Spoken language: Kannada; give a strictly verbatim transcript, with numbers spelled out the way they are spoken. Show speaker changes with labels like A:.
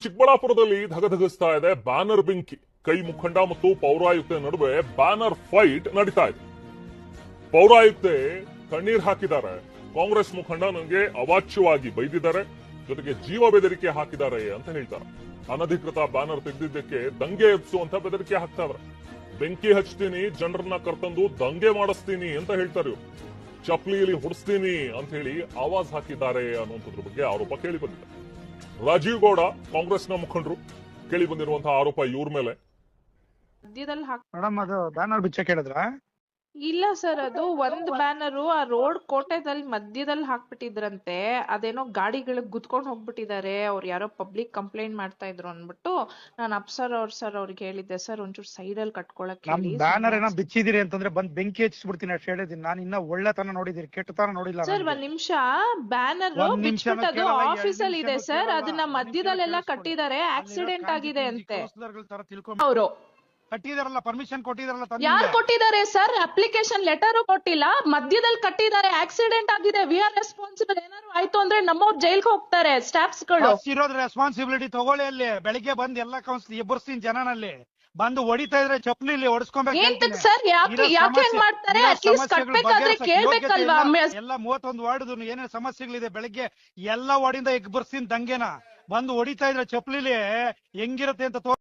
A: ಚಿಕ್ಕಬಳ್ಳಾಪುರದಲ್ಲಿ ಧಗಧಗಿಸ್ತಾ ಇದೆ ಬ್ಯಾನರ್ ಬೆಂಕಿ. ಕೈ ಮುಖಂಡ ಮತ್ತು ಪೌರಾಯುಕ್ತೆ ನಡುವೆ ಬ್ಯಾನರ್ ಫೈಟ್ ನಡೀತಾ ಇದೆ. ಪೌರಾಯುಕ್ತೆ ಕಣ್ಣೀರ್ ಹಾಕಿದ್ದಾರೆ. ಕಾಂಗ್ರೆಸ್ ಮುಖಂಡ ನನಗೆ ಅವಾಚ್ಯವಾಗಿ ಬೈದಿದ್ದಾರೆ, ಜೊತೆಗೆ ಜೀವ ಬೆದರಿಕೆ ಹಾಕಿದ್ದಾರೆ ಅಂತ ಹೇಳ್ತಾರೆ. ಅನಧಿಕೃತ ಬ್ಯಾನರ್ ತೆಗೆದಿದ್ದಕ್ಕೆ ದಂಗೆ ಎಬ್ಸುವಂತ ಬೆದರಿಕೆ ಹಾಕ್ತಾರೆ. ಬೆಂಕಿ ಹಚ್ತೀನಿ, ಜನರನ್ನ ಕರ್ತಂದು ದಂಗೆ ಮಾಡಿಸ್ತೀನಿ ಅಂತ ಹೇಳ್ತಾರೆ ಇವರು. ಚಪ್ಲಿಯಲ್ಲಿ ಹೊಡಿಸ್ತೀನಿ ಅಂತ ಹೇಳಿ ಆವಾಜ್ ಹಾಕಿದ್ದಾರೆ ಅನ್ನುವಂಥದ್ರ ಬಗ್ಗೆ ಆರೋಪ ಕೇಳಿ ಬಂದಿದೆ. ರಾಜೀವ್ ಗೌಡ ಕಾಂಗ್ರೆಸ್ನ ಮುಖಂಡರು ಕೇಳಿ ಬಂದಿರುವಂತಹ ಆರೋಪ ಇವ್ರ ಮೇಲೆ.
B: ಮಧ್ಯದಲ್ಲಿ ಹಾಕ್
C: ಮೇಡಮ್ ಅದು ಬ್ಯಾನರ್ ಬಿಚ್ಚಕ್ ಹೇಳಿದ್ರ?
B: ಇಲ್ಲ ಸರ್, ಅದು ಒಂದ್ ಬ್ಯಾನರು ಆ ರೋಡ್ ಕೋಟೆದಲ್ಲಿ ಮಧ್ಯದಲ್ಲಿ ಹಾಕ್ಬಿಟ್ಟಿದ್ರಂತೆ. ಅದೇನೋ ಗಾಡಿಗಳಿಗೆ ಗುದ್ಕೊಂಡ್ ಹೋಗ್ಬಿಟ್ಟಿದ್ದಾರೆ, ಅವ್ರು ಯಾರೋ ಪಬ್ಲಿಕ್ ಕಂಪ್ಲೇಂಟ್ ಮಾಡ್ತಾ ಇದ್ರು ಅನ್ಬಿಟ್ಟು ನಾನು ಅಪ್ಸರ್ ಅವ್ರ ಸರ್ ಅವ್ರಿಗೆ ಹೇಳಿದ್ದೆ, ಸರ್ ಒಂಚೂರು ಸೈಡ್ ಅಲ್ಲಿ ಕಟ್ಕೊಳಕ್
C: ನಮ್
B: ಹೇಳಿ.
C: ಬ್ಯಾನರ್ ಏನೋ ಬಿಚ್ಚಿದಿರಿ ಅಂತಂದ್ರೆ ಬಂದ್ ಬೆಂಕಿ ಹಚ್ಚಿಬಿಡ್ತೀನಿ ಅಷ್ಟು ಹೇಳಿದೀನಿ. ನಾನು ಇನ್ನ ಒಳ್ಳೆತನ ನೋಡಿದಿರಿ, ಕೆಟ್ಟತನ ನೋಡಿಲ್ಲ.
B: ಸರ್ ಒಂದ್ ನಿಮಿಷ, ಬ್ಯಾನರ್
C: ಒಂದ್ ನಿಮಿಷನೂ
B: ಬಿಚ್ಬಿಟ್ಟು
C: ಕೇಳಲ್ಲ, ಎರಡ್
B: ಆಫೀಸ್ ಅಲ್ಲಿ ಇದೆ
C: ನಿಮಿಷನೂ
B: ಸರ್,
C: ಕೇಳಲ್ಲ.
B: ಅದನ್ನ ಮಧ್ಯದಲ್ಲೆಲ್ಲ ಕಟ್ಟಿದ್ದಾರೆ, ಆಕ್ಸಿಡೆಂಟ್ ಆಗಿದೆ ಅಂತೆ. ಅವರು
C: ಕಟ್ಟಿದಾರಲ್ಲ, ಪರ್ಮಿಷನ್ ಕೊಟ್ಟಿದಾರಲ್ಲ.
B: ಯಾರು ಕೊಟ್ಟಿದ್ದಾರೆ ಸರ್? ಅಪ್ಲಿಕೇಶನ್ ಲೆಟರ್ ಕೊಟ್ಟಿಲ್ಲ, ಮಧ್ಯದಲ್ಲಿ ಕಟ್ಟಿದ್ದಾರೆ, ಆಕ್ಸಿಡೆಂಟ್ ಆಗಿದೆ, ವಿ ಆರ್ ರೆಸ್ಪಾನ್ಸಿಬಲ್. ಏನಾದ್ರು ಆಯ್ತು ಅಂದ್ರೆ ನಮ್ಮವ್ರು ಜೈಲ್ಗೆ ಹೋಗ್ತಾರೆ ಸ್ಟಾಫ್ಸ್ ಗಳು.
C: ಇರೋದ್ ರೆಸ್ಪಾನ್ಸಿಬಿಲಿಟಿ ತಗೊಳ್ಳಿ. ಅಲ್ಲಿ ಬೆಳಿಗ್ಗೆ ಬಂದ್ ಎಲ್ಲಾ ಕೌನ್ಸಿಲ್ ಎಬ್ಬರ್ಸ್ತೀನಿ ಜನನಲ್ಲಿ. ಬಂದು ಹೊಡಿತಾ ಇದ್ರೆ ಚಪ್ಲಿಲಿ ಹೊಡಿಸ್ಕೊಬೇಕು
B: ಸರ್. ಯಾಕೆ ಯಾಕೆ ಹೆಂಗ್ ಮಾಡ್ತಾರೆ? ಅಟ್ಲೀಸ್ಟ್ ಕಟ್ಬೇಕಾದ್ರೆ ಕೇಳ್ಬೇಕಲ್ವಾ?
C: ಎಲ್ಲ ಮೂವತ್ತೊಂದು ವಾರ್ಡ್ ಏನೇನ್ ಸಮಸ್ಯೆಗಳಿದೆ ಬೆಳಿಗ್ಗೆ ಎಲ್ಲಾ ವಾರ್ಡಿಂದ ಎಗ್ ಬರ್ಸ್ತೀನಿ ದಂಗೆನ. ಬಂದು ಹೊಡಿತಾ ಇದ್ರೆ ಚಪ್ಲಿಲಿ ಹೆಂಗಿರುತ್ತೆ ಅಂತ